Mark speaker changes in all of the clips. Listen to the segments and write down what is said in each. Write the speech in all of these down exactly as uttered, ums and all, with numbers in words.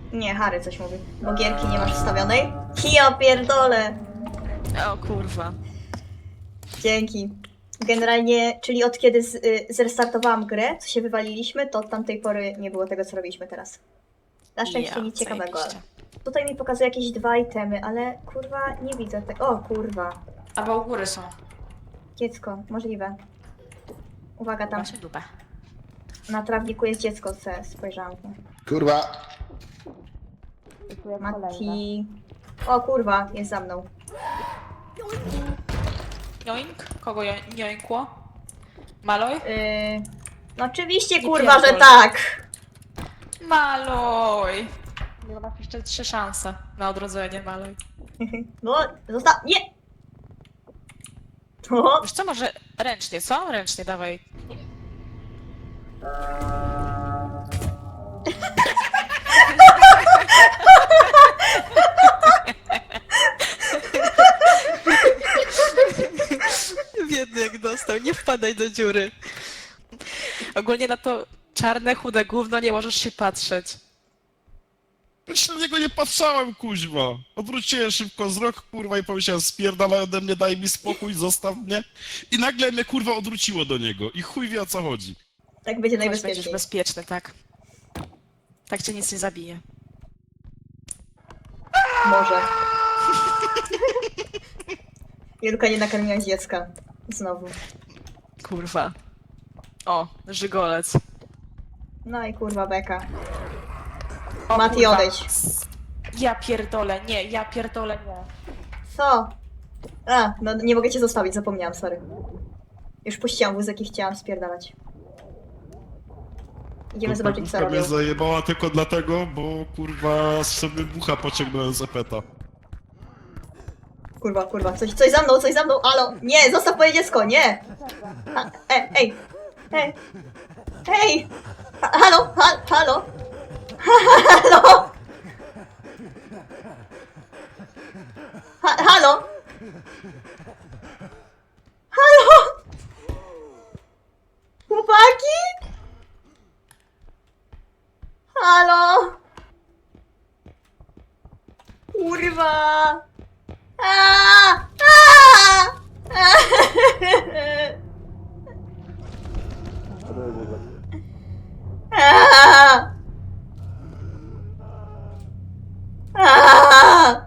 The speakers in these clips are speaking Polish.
Speaker 1: Nie, Harry coś mówi. Bo gierki nie masz wstawionej? Ja pierdolę!
Speaker 2: O kurwa.
Speaker 1: Dzięki. Generalnie, czyli od kiedy z, y, zrestartowałam grę, co się wywaliliśmy, to od tamtej pory nie było tego, co robiliśmy teraz. Na szczęście
Speaker 2: Ja,
Speaker 1: nic ciekawego.
Speaker 2: zajebiście.
Speaker 1: Tutaj mi pokazuje jakieś dwa itemy, ale kurwa nie widzę tego. O kurwa.
Speaker 2: Albo u góry są.
Speaker 1: Dziecko, możliwe. Uwaga, tam
Speaker 2: Właśnie dupę.
Speaker 1: na trawniku jest dziecko, se spojrzałam.
Speaker 3: Kurwa!
Speaker 1: Mati. O kurwa, jest za mną.
Speaker 2: Joink? Kogo jo joinkło? Maloj?
Speaker 1: Yy... No oczywiście
Speaker 2: Nie
Speaker 1: kurwa, że
Speaker 2: pierdol.
Speaker 1: tak!
Speaker 2: Maloj! Nie masz jeszcze trzy szanse na odrodzenie, Maloj.
Speaker 1: No, zostaw... Nie! O,
Speaker 2: Wiesz co, może ręcznie, co? Ręcznie, dawaj. Biedny jak dostał, nie wpadaj do dziury. Ogólnie na to czarne, chude gówno nie możesz się patrzeć.
Speaker 3: Jeszcze na niego nie patrzałem, kuźwa. Odwróciłem szybko wzrok, kurwa, i pomyślałem, spierdalaj ode mnie, daj mi spokój, zostaw mnie. I nagle mnie, kurwa, odwróciło do niego. I chuj wie, o co chodzi.
Speaker 1: tak będzie
Speaker 2: Chodź, będziesz
Speaker 1: najbezpieczniej.
Speaker 2: bezpieczny, tak. Tak cię nic nie zabije.
Speaker 1: Może. Julka nie nakarmiła dziecka. Znowu.
Speaker 2: Kurwa. O, żygolec.
Speaker 1: No i kurwa beka.
Speaker 2: O,
Speaker 1: Mati,
Speaker 2: kurwa.
Speaker 1: odejdź.
Speaker 2: Ja pierdolę, nie, ja pierdolę, nie.
Speaker 1: Co? A, no nie mogę cię zostawić, zapomniałam, sorry. Już puściłam wózek i chciałam spierdalać. Idziemy zobaczyć, co
Speaker 3: Kurwa mnie
Speaker 1: robią.
Speaker 3: zajebała tylko dlatego, bo, kurwa, sobie bucha pociągnąłem z epeta.
Speaker 1: Kurwa, kurwa, coś, coś za mną, coś za mną, alo! Nie, zostaw moje dziecko, nie! A, e, ej, ej, ej! Ha, halo, ha, halo! Ha, halo! Ha, halo! Halo! Chłopaki? Halo! Kurwa! A! A! A! A!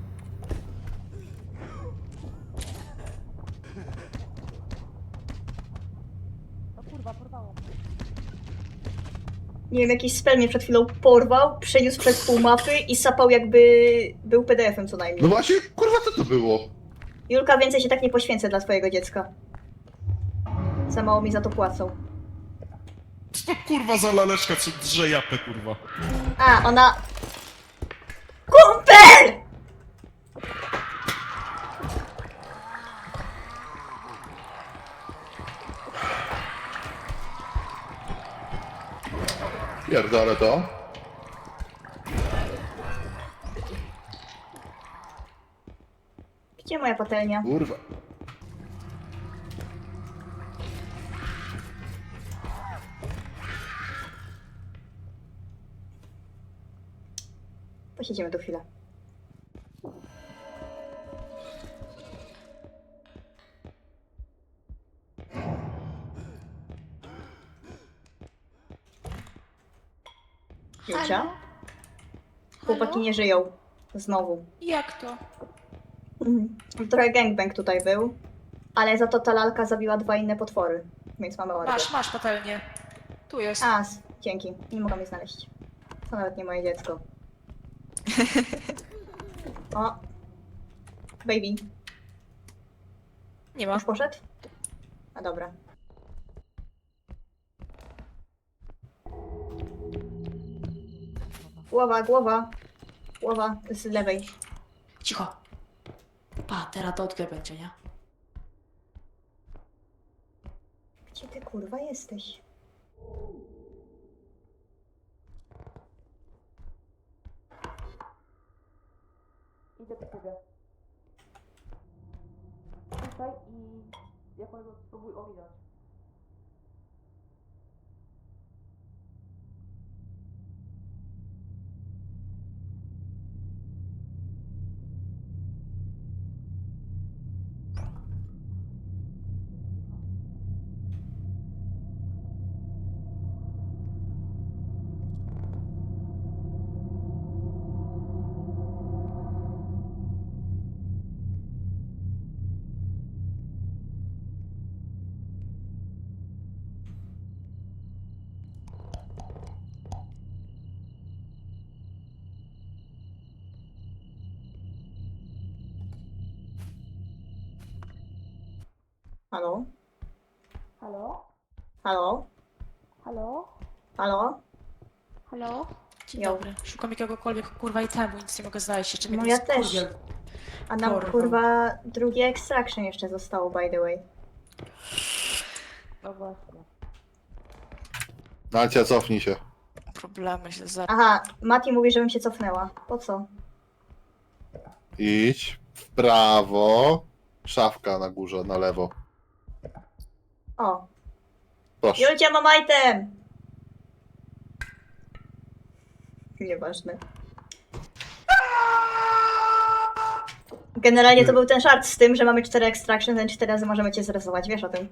Speaker 1: Nie wiem, jakiś spell mnie przed chwilą porwał, przeniósł przez pół mapy i sapał jakby był P D F-em co najmniej.
Speaker 3: No właśnie, kurwa, co to było?
Speaker 1: Julka, więcej się tak nie poświęcę dla twojego dziecka. Za mało mi za to płacą.
Speaker 3: Co to, kurwa, za laleczka, co drze japę, kurwa?
Speaker 1: A, ona... Kumpel!
Speaker 3: Pierdolę to.
Speaker 1: Gdzie moja patelnia?
Speaker 3: Kurwa.
Speaker 1: Posiedzimy tu chwilę. Julcia?
Speaker 2: Halo?
Speaker 1: Chłopaki nie żyją. Znowu.
Speaker 2: Jak to?
Speaker 1: Mhm. Trochę gangbang tutaj był, ale za to ta lalka zabiła dwa inne potwory, więc mamy ładnie.
Speaker 2: Masz, masz patelnię. Tu jest.
Speaker 1: A, s- dzięki. Nie mogłam jej znaleźć. To nawet nie moje dziecko. O. Baby.
Speaker 2: Nie ma.
Speaker 1: Już poszedł? A dobra. Głowa, głowa. Głowa z lewej.
Speaker 2: Cicho. Pa, teraz to odkryj będzie, nie?
Speaker 1: Gdzie ty kurwa jesteś?
Speaker 2: Idę do ciebie. Tutaj i ja powiem, spróbuj ominąć.
Speaker 1: Halo?
Speaker 4: Halo?
Speaker 1: Halo?
Speaker 4: Halo?
Speaker 1: Halo?
Speaker 4: Halo?
Speaker 2: Dzień
Speaker 1: Jo.
Speaker 2: dobry. Szukam jakiegokolwiek kurwa itemu, nic nie mogę znaleźć. Jeszcze mnie
Speaker 1: No
Speaker 2: ten
Speaker 1: ja też.
Speaker 2: skurwiel
Speaker 1: A nam
Speaker 2: porwał.
Speaker 1: kurwa drugie extraction jeszcze zostało, by the way.
Speaker 4: No właśnie.
Speaker 5: Nacia, cofnij się.
Speaker 2: Problemy się za...
Speaker 1: Aha, Mati mówi, żebym się cofnęła. Po co?
Speaker 5: Idź w prawo. Szafka na górze, na lewo.
Speaker 1: O,
Speaker 5: Proszę.
Speaker 1: Julcia, mam item! Nieważne. Generalnie to był ten żart z tym, że mamy cztery extraction, ten cztery razy możemy cię zresować, wiesz o tym?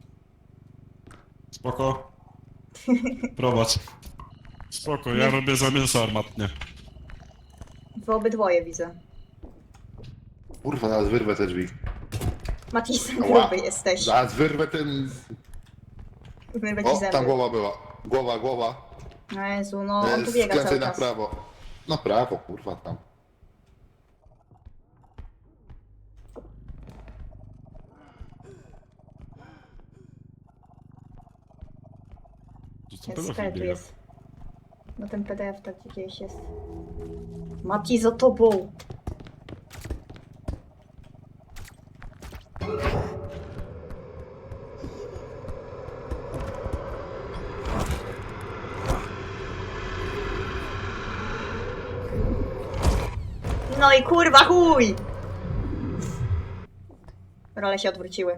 Speaker 3: Spoko. Prowadź. Spoko, ja robię za mięso armatnie.
Speaker 1: Wy obydwoje widzę.
Speaker 5: Kurwa, zaraz wyrwę te drzwi.
Speaker 1: Mati,
Speaker 5: Ała.
Speaker 1: gruby jesteś.
Speaker 5: Zaraz wyrwę ten...
Speaker 1: Wyrwę ci
Speaker 5: O,
Speaker 1: zęby.
Speaker 5: tam głowa była. Głowa, głowa.
Speaker 1: No Jezu, no on
Speaker 5: E,
Speaker 1: tu biega
Speaker 5: Skręcaj
Speaker 1: cały
Speaker 5: na
Speaker 1: czas.
Speaker 5: prawo. Na prawo, kurwa, tam.
Speaker 3: To co
Speaker 1: Jest,
Speaker 3: pedofil
Speaker 1: skele tu
Speaker 3: biega?
Speaker 1: jest. No ten P D F tak gdzieś jest. Mati, za tobą! No i kurwa chuj! Role się odwróciły.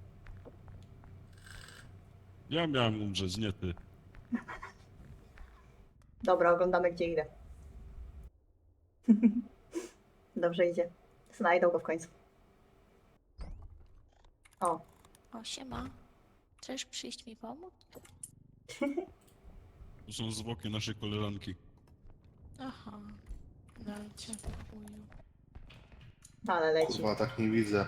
Speaker 3: Ja miałem umrzeć, nie ty.
Speaker 1: Dobra, oglądamy gdzie idę. Dobrze idzie. Znajdą go w końcu. O,
Speaker 4: O, siema. Chcesz przyjść mi pomóc?
Speaker 3: To są zwłoki naszej koleżanki.
Speaker 2: Aha. Dajcie chuju.
Speaker 1: ale leci.
Speaker 5: Kurwa, tak nie widzę.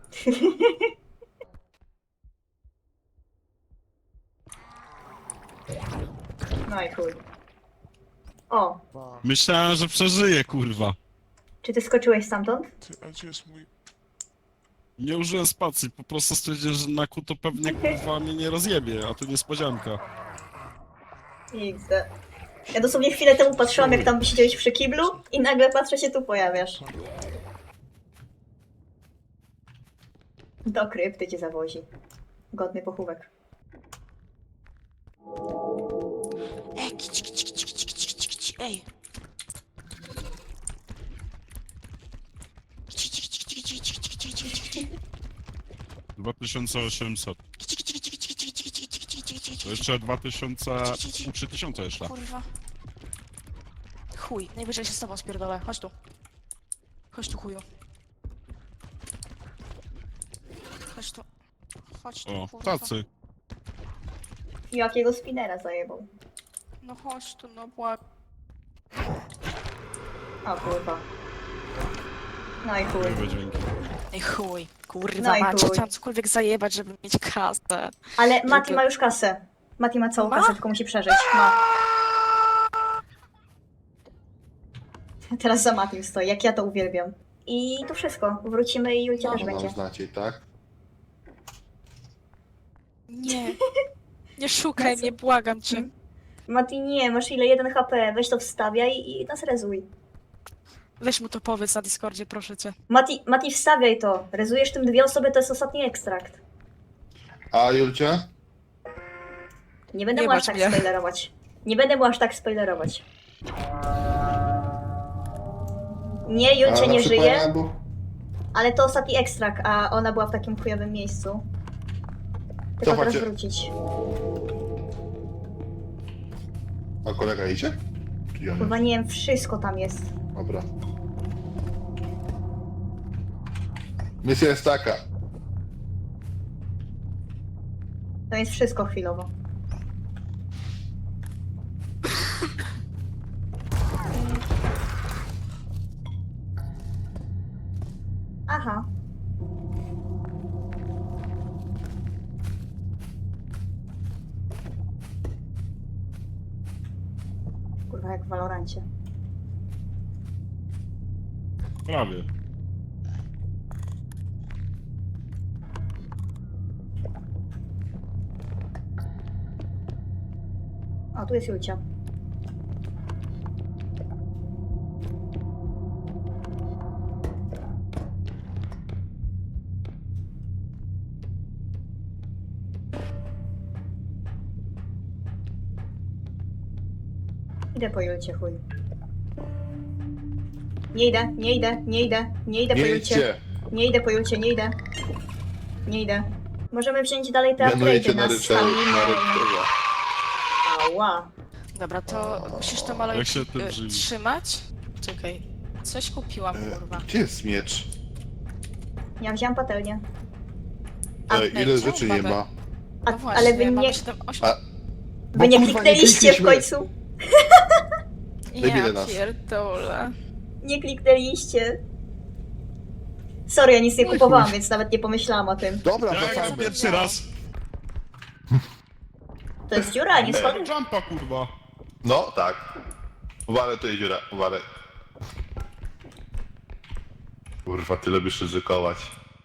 Speaker 1: No i chuj. O,
Speaker 3: Myślałem, że przeżyję, kurwa.
Speaker 1: czy ty skoczyłeś stamtąd?
Speaker 6: Ty, a gdzie jest mój...
Speaker 3: Nie użyłem spacji, po prostu stwierdziłem, że Naku to pewnie kurwa mnie nie rozjebie, a tu niespodzianka.
Speaker 1: X D. Ja dosłownie chwilę temu patrzyłam, jak tam siedziałeś przy kiblu i nagle patrzę, się tu pojawiasz. Do krypty cię zawozi. Godny pochówek.
Speaker 2: Ej, kici, kici, kici, kici, kici, kici, kici, ej. Kici, kici, kici, kici, kici, kici, kici, kici, kici.
Speaker 3: dwa tysiące osiemset.
Speaker 2: Kici, kici, kici, kici, kici, kici, kici, kici, kici, kici,
Speaker 3: To
Speaker 2: kici.
Speaker 3: jeszcze dwa tysiące... trzy tysiące jeszcze.
Speaker 2: Kurwa. Chuj, najwyżej się z tobą spierdolę. Chodź tu. Chodź tu, chuju. Chodź tu. Chodź tu,
Speaker 3: O,
Speaker 2: kurwa.
Speaker 3: tacy.
Speaker 1: I jakiego spinera zajebał.
Speaker 2: No chodź tu, no błag...
Speaker 1: O kurwa. No i chuj.
Speaker 3: Były dźwięki.
Speaker 2: Ej chuj, kurwa
Speaker 1: No i
Speaker 2: mać,
Speaker 1: chuj.
Speaker 2: chciałam cokolwiek zajebać, żeby mieć kasę.
Speaker 1: Ale Mati
Speaker 2: Żeby-
Speaker 1: ma już kasę. Mati ma całą
Speaker 2: Ma?
Speaker 1: kasę, tylko musi przeżyć. Ma. Teraz za Matim stoi, jak ja to uwielbiam. I to wszystko. Wrócimy i Julcia też
Speaker 5: No,
Speaker 1: będzie.
Speaker 5: nam znacie, tak?
Speaker 2: Nie. Nie szukaj mnie, błagam cię.
Speaker 1: Mati, nie, masz ile? jeden H P. Weź to wstawiaj i nas rezuj.
Speaker 2: Weź mu to powiedz na Discordzie, proszę cię.
Speaker 1: Mati, Mati, wstawiaj to. Rezujesz tym dwie osoby, to jest ostatni ekstrakt.
Speaker 5: A Julcia?
Speaker 1: Nie będę
Speaker 2: Nie
Speaker 1: mu aż
Speaker 2: bacz
Speaker 1: tak
Speaker 2: mnie.
Speaker 1: spoilerować. Nie będę mu aż tak spoilerować. Nie, Julcia
Speaker 5: A na
Speaker 1: nie
Speaker 5: przykład
Speaker 1: żyje,
Speaker 5: był-
Speaker 1: ale to ostatni ekstrakt, a ona była w takim chujowym miejscu. Tylko teraz
Speaker 5: Cofacie.
Speaker 1: wrócić.
Speaker 5: A kolega idzie? Czy ja nie?
Speaker 1: Chyba nie wiem, wszystko tam jest.
Speaker 5: Dobra. Misja jest taka.
Speaker 1: To jest wszystko chwilowo. Aha. Kurwa, jak w Valorancie.
Speaker 3: Prawie.
Speaker 1: O, tu jest Julcia. Idę po Julcie, chuj. Nie idę, nie idę, nie idę, nie idę po
Speaker 5: Nie
Speaker 1: Julcie.
Speaker 5: idźcie.
Speaker 1: Nie idę po Julcie, nie idę. Nie idę. Możemy wziąć dalej te
Speaker 5: Mianujecie
Speaker 1: upgrade'y
Speaker 5: na
Speaker 1: na
Speaker 5: ryczelu.
Speaker 1: stalinę.
Speaker 5: Na ryczelu.
Speaker 1: Ała.
Speaker 2: Dobra, to musisz to maloj
Speaker 3: Jak się tym
Speaker 2: y,
Speaker 3: żywi?
Speaker 2: trzymać. Czekaj. Coś kupiłam,
Speaker 5: E,
Speaker 2: kurwa.
Speaker 5: Gdzie jest miecz?
Speaker 1: Ja wziąłem patelnię.
Speaker 2: A,
Speaker 5: Ej,
Speaker 2: ej,
Speaker 5: ile
Speaker 2: czemu
Speaker 5: rzeczy nie
Speaker 2: mamy?
Speaker 5: ma?
Speaker 1: A,
Speaker 2: No właśnie,
Speaker 1: ale wy
Speaker 2: mamy
Speaker 1: nie,
Speaker 2: siedem, osiem...
Speaker 5: A,
Speaker 1: wy nie
Speaker 5: bo kurwa,
Speaker 1: kliknęliście w
Speaker 5: klikliśmy.
Speaker 1: końcu.
Speaker 5: debile
Speaker 2: Ja
Speaker 5: nas.
Speaker 2: pierdolę.
Speaker 1: Nie kliknęliście. Sorry, ja nic nie
Speaker 5: No i
Speaker 1: kupowałam,
Speaker 5: chuj.
Speaker 1: więc nawet nie pomyślałam o tym.
Speaker 5: Dobra,
Speaker 3: Ja jak
Speaker 5: wracamy.
Speaker 3: pierwszy raz.
Speaker 1: To jest dziura, nie schody.
Speaker 3: Jumpa, kurwa.
Speaker 5: No, tak. Uwalę tu jest dziura, uwalę. Kurwa, ty lubisz ryzykować.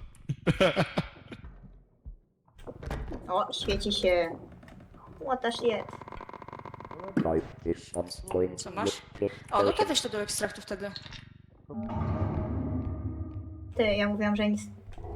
Speaker 1: O, świeci się. What the shit.
Speaker 2: Co masz? O, no to weź to do ekstraktu wtedy.
Speaker 1: Ty, ja mówiłam, że nic.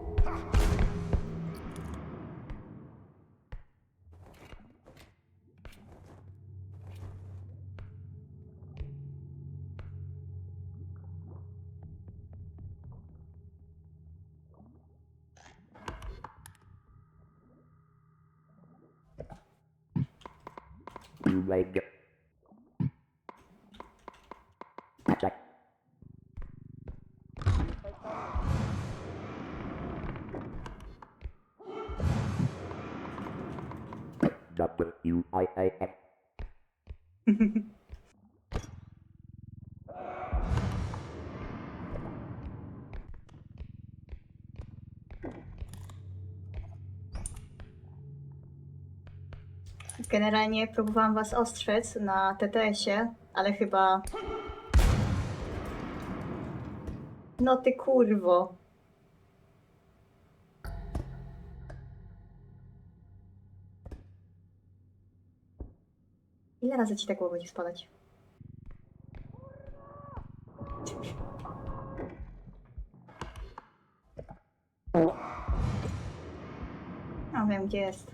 Speaker 6: W I A N.
Speaker 1: Generalnie próbowałam was ostrzec na T T S-ie, ale chyba... No ty kurwo. Ile razy ci tak głowa będzie spadać? No wiem gdzie jest.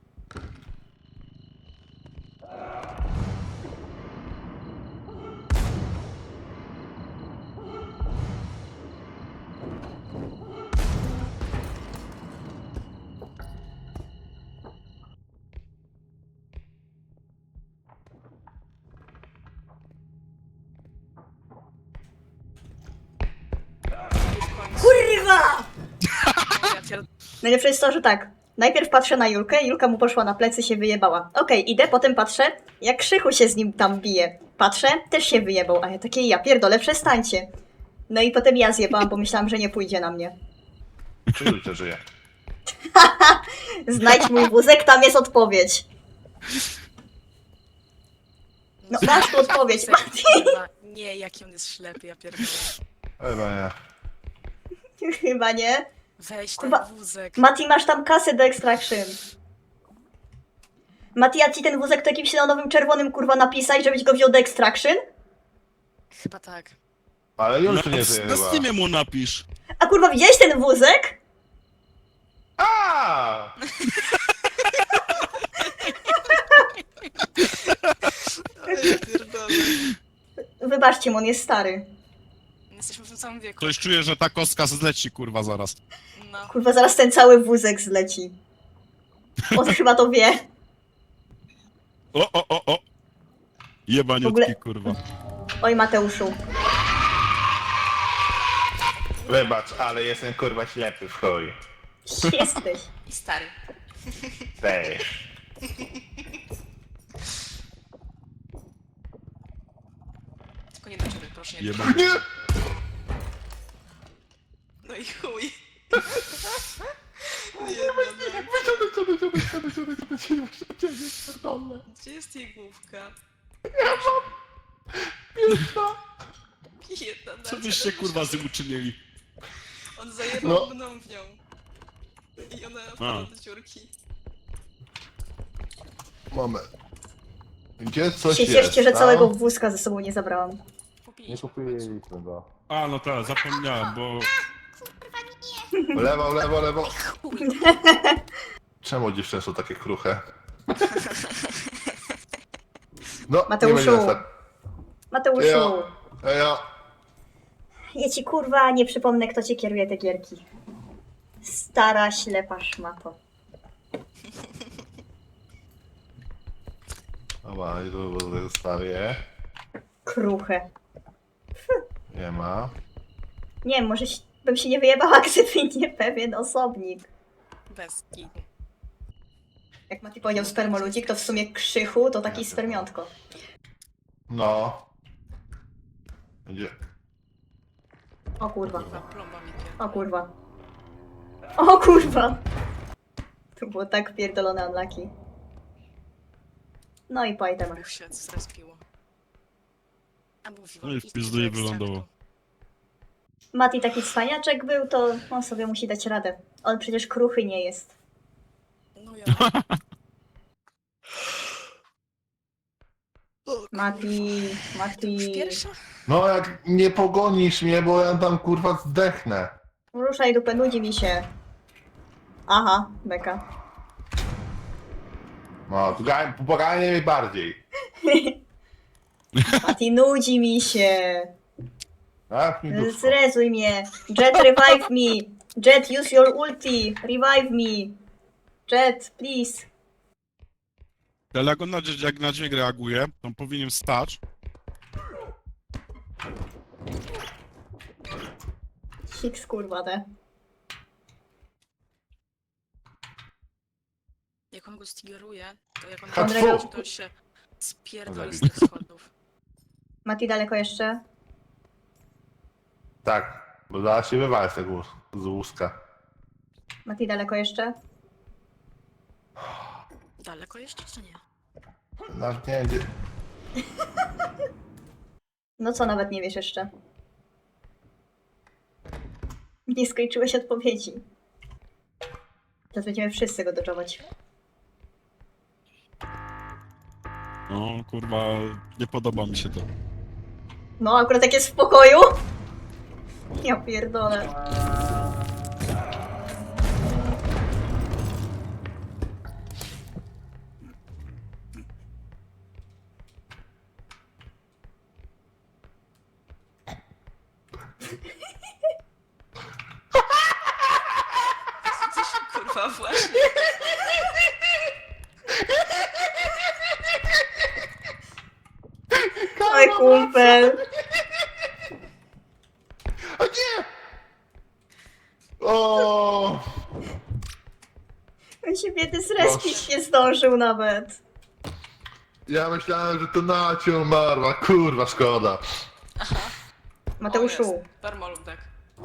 Speaker 1: Kurwa!
Speaker 2: Ja pierd...
Speaker 1: Najlepsze jest to, że tak. Najpierw patrzę na Julkę, Julka mu poszła na plecy, się wyjebała. Okej, idę, potem patrzę, jak Krzychu się z nim tam bije. Patrzę, też się wyjebał, a ja takie, ja pierdolę, przestańcie. No i potem ja zjebałam, bo myślałam, że nie pójdzie na mnie.
Speaker 5: Czy Julcia żyje?
Speaker 1: Znajdź mój wózek, tam jest odpowiedź. No masz tu odpowiedź, Mati.
Speaker 2: Kurwa, nie, jaki on jest ślepy, ja pierdolę.
Speaker 5: Chyba nie.
Speaker 1: Chyba nie.
Speaker 2: Weź ten
Speaker 1: Kurwa.
Speaker 2: wózek.
Speaker 1: Mati, masz tam kasę do extraction. Mati, ja ci ten wózek to jakimś neonowym czerwonym kurwa napisać, żebyś go wziął do extraction?
Speaker 2: Chyba tak.
Speaker 5: Ale
Speaker 3: Na,
Speaker 5: Julcia nie żyje
Speaker 3: na
Speaker 5: chyba.
Speaker 3: Steamie mu napisz.
Speaker 1: A kurwa, widziałeś ten wózek?
Speaker 5: A!
Speaker 2: Ja pierdolę.
Speaker 1: Wybaczcie mu, on jest stary.
Speaker 2: Jesteśmy w tym samym wieku.
Speaker 3: Ktoś czuje, że ta kostka zleci, kurwa, zaraz.
Speaker 2: No.
Speaker 1: Kurwa, zaraz ten cały wózek zleci. On chyba to wie.
Speaker 3: O, o, o, o. Jebaniutki,
Speaker 1: W ogóle-
Speaker 3: kurwa.
Speaker 1: Oj, Mateuszu.
Speaker 5: Wybacz, ale jestem kurwa ślepy w chuj.
Speaker 1: Jesteś.
Speaker 2: I stary.
Speaker 5: Też.
Speaker 2: Tylko nie do ciebie, proszę nie.
Speaker 3: Jebany.
Speaker 5: Nie!
Speaker 2: No i chuj. Gdzie jest jej główka? Jedna
Speaker 3: Co
Speaker 2: na
Speaker 3: byście, kurwa, z nim uczynili?
Speaker 2: On zajebał
Speaker 5: No.
Speaker 2: mną w nią. I ona wpadła do dziurki.
Speaker 5: Moment. Gdzie coś
Speaker 1: się
Speaker 5: jest,
Speaker 1: cieszcie, że
Speaker 5: tam?
Speaker 1: całego wózka ze sobą nie zabrałam.
Speaker 5: Nie
Speaker 2: Kupiliśmy.
Speaker 5: kupiliśmy go.
Speaker 3: A, no tak, zapomniałem, bo...
Speaker 5: Lewo, lewo, lewo.
Speaker 2: Chuj.
Speaker 5: Czemu dziewczyny są takie kruche? No,
Speaker 1: Mateuszu.
Speaker 5: nie będzie
Speaker 1: Mateuszu,
Speaker 5: Ejo. Ejo.
Speaker 1: ja ci kurwa nie przypomnę, kto ci kieruje te gierki. Stara, ślepa szmato.
Speaker 5: Dobra, i tu zostawię.
Speaker 1: Kruche.
Speaker 5: Nie ma.
Speaker 1: Nie wiem, może się- bym się nie wyjebała, gdyby nie pewien osobnik.
Speaker 2: Bez kitu.
Speaker 1: Jak Mati powiedział spermoludzik, to w sumie Krzychu to taki spermiątko.
Speaker 5: No. Gdzie?
Speaker 1: O kurwa.
Speaker 2: Kurwa, plomba mi pierdolę.
Speaker 1: O kurwa. O kurwa. To było tak pierdolone unlucky. No i po itemach.
Speaker 2: Buch się zrespiło. A mówiłam.
Speaker 3: No i w pizdu jej wylądował.
Speaker 1: Mati taki cwaniaczek był, to on sobie musi dać radę. On przecież kruchy nie jest.
Speaker 2: No ja.
Speaker 1: Mati,
Speaker 2: Już
Speaker 1: Mati.
Speaker 2: pierwsza?
Speaker 5: No jak nie pogonisz mnie, bo ja tam kurwa zdechnę.
Speaker 1: Ruszaj dupę, nudzi mi się. Aha, beka.
Speaker 5: No, poganie mnie bardziej.
Speaker 1: Mati, nudzi mi się.
Speaker 5: Tak, mi dupko.
Speaker 1: Zrezuj mnie. Jet, revive me. Jet, use your ulti. Revive me. Jet, please.
Speaker 3: Ale jak on na, jak na dźwięk reaguje, to on powinien stać.
Speaker 1: Hiks, kurwa, te.
Speaker 2: Jak on go stigeruje, to jak on
Speaker 5: Hatfu!
Speaker 2: go reaguje, to się spierdoli z tych schodów.
Speaker 1: Mati, daleko jeszcze?
Speaker 5: Tak, bo zaraz się wywalę z tego z łuska.
Speaker 1: Mati, daleko jeszcze?
Speaker 2: Daleko jeszcze, czy nie?
Speaker 5: Nawet nie wiem gdzie...
Speaker 1: No co, nawet nie wiesz jeszcze. Nie skończyłeś odpowiedzi. Teraz będziemy wszyscy go doczować.
Speaker 3: No, kurwa, nie podoba mi się to.
Speaker 1: No, akurat jak jest w pokoju. Ja pierdolę.
Speaker 2: Kurwa, właśnie.
Speaker 1: Oj, kumpel.
Speaker 5: O nie! O!
Speaker 1: On się biedy zrespić nie zdążył nawet.
Speaker 5: Ja myślałem, że to Nacia umarła, kurwa szkoda.
Speaker 1: Mateuszu,
Speaker 2: Permoludek.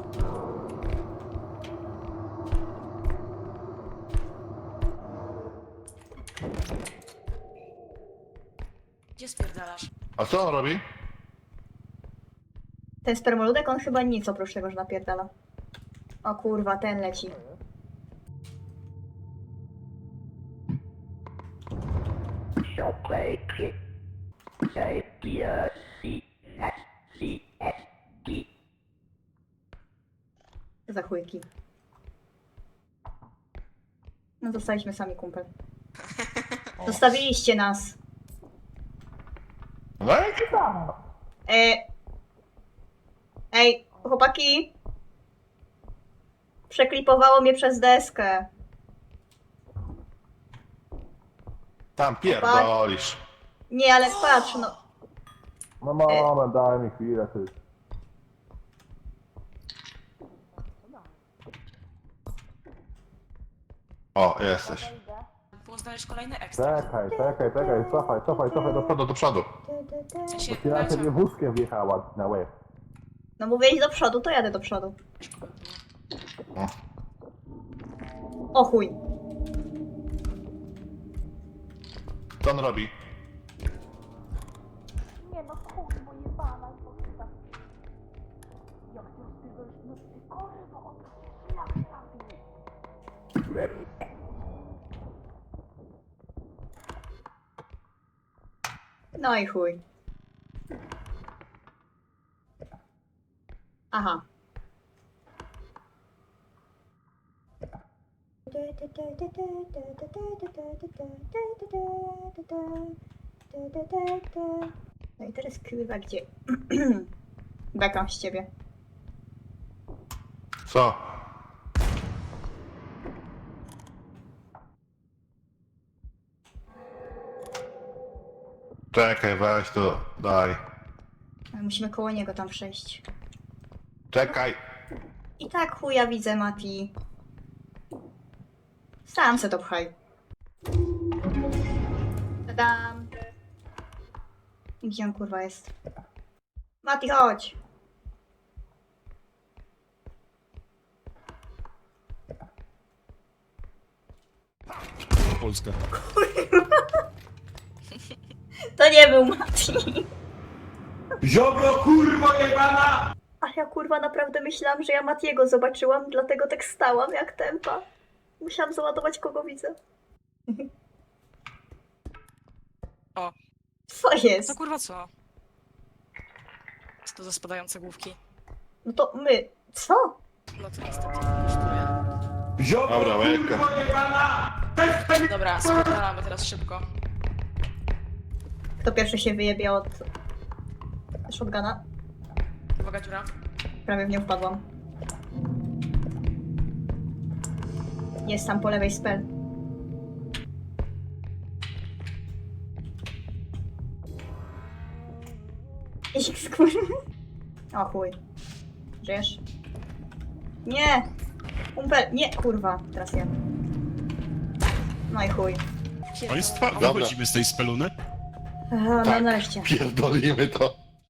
Speaker 2: Gdzie spierdalasz?
Speaker 5: A co on robi?
Speaker 1: ten spermoludek, on chyba nic oprócz tego, że napierdala. O kurwa, ten leci.
Speaker 6: So play kick. Say B R C S C S D.
Speaker 1: Za chujki. No zostaliśmy sami, kumpel. Zostawiliście nas.
Speaker 5: No i tam.
Speaker 1: E... Ej, chłopaki. Przeklipowało mnie przez deskę.
Speaker 5: Tam pierdolisz.
Speaker 1: Nie, ale patrz, no.
Speaker 5: No moment, daj mi chwilę, ty. O, jesteś.
Speaker 2: Było znaleźć kolejny ekstra.
Speaker 5: Czekaj, czekaj, czekaj, cofaj, cofaj, cofaj do przodu, do przodu.
Speaker 2: W sensie,
Speaker 5: Ty na
Speaker 2: Nacia-
Speaker 5: ciebie wózkiem wjechała na łeb.
Speaker 1: No mówię iść do przodu, to jadę do przodu. O chuj.
Speaker 5: Co on robi?
Speaker 4: Nie no, kurwa, jebana, bo chyba... Jak to z tego, no ty kurwa, on to szlak trafi.
Speaker 6: Ready.
Speaker 1: No i chuj. Aha. No i teraz kurwa gdzie? Bekam z ciebie.
Speaker 5: Co? Czekaj, weź to, daj.
Speaker 1: Ale musimy koło niego tam przejść.
Speaker 5: Czekaj.
Speaker 1: I tak chuja widzę, Mati. Sam se to pchaj. Tadam. Gdzie on kurwa jest? Mati, chodź.
Speaker 3: Polska.
Speaker 1: To nie był Mati.
Speaker 7: Ziobro kurwo jebana!
Speaker 1: A ja kurwa naprawdę myślałam, że ja Matiego zobaczyłam, dlatego tak stałam jak tempa. Musiałam załadować kogo widzę.
Speaker 2: O.
Speaker 1: Co jest?
Speaker 2: To kurwa co? Co to za spadające główki?
Speaker 1: No to my. Co?
Speaker 2: No to niestety kosztuje.
Speaker 7: Ziobro
Speaker 5: Dobra, łebka.
Speaker 7: kurwo jebana!
Speaker 2: Dobra, spierdalamy teraz szybko.
Speaker 1: Kto pierwszy się wyjebie od shotguna?
Speaker 2: Uwaga, dziura.
Speaker 1: Prawie w nią wpadłam. Jest tam po lewej spell. X, kurwa. O chuj. Żyjesz? Nie! Umpel, nie, kurwa. Teraz ja. No i chuj.
Speaker 3: Państwa,
Speaker 5: Dobra.
Speaker 3: wychodzimy z tej speluny?
Speaker 1: Aha, no
Speaker 5: Tak.
Speaker 1: nareszcie.
Speaker 5: Pierdolimy to.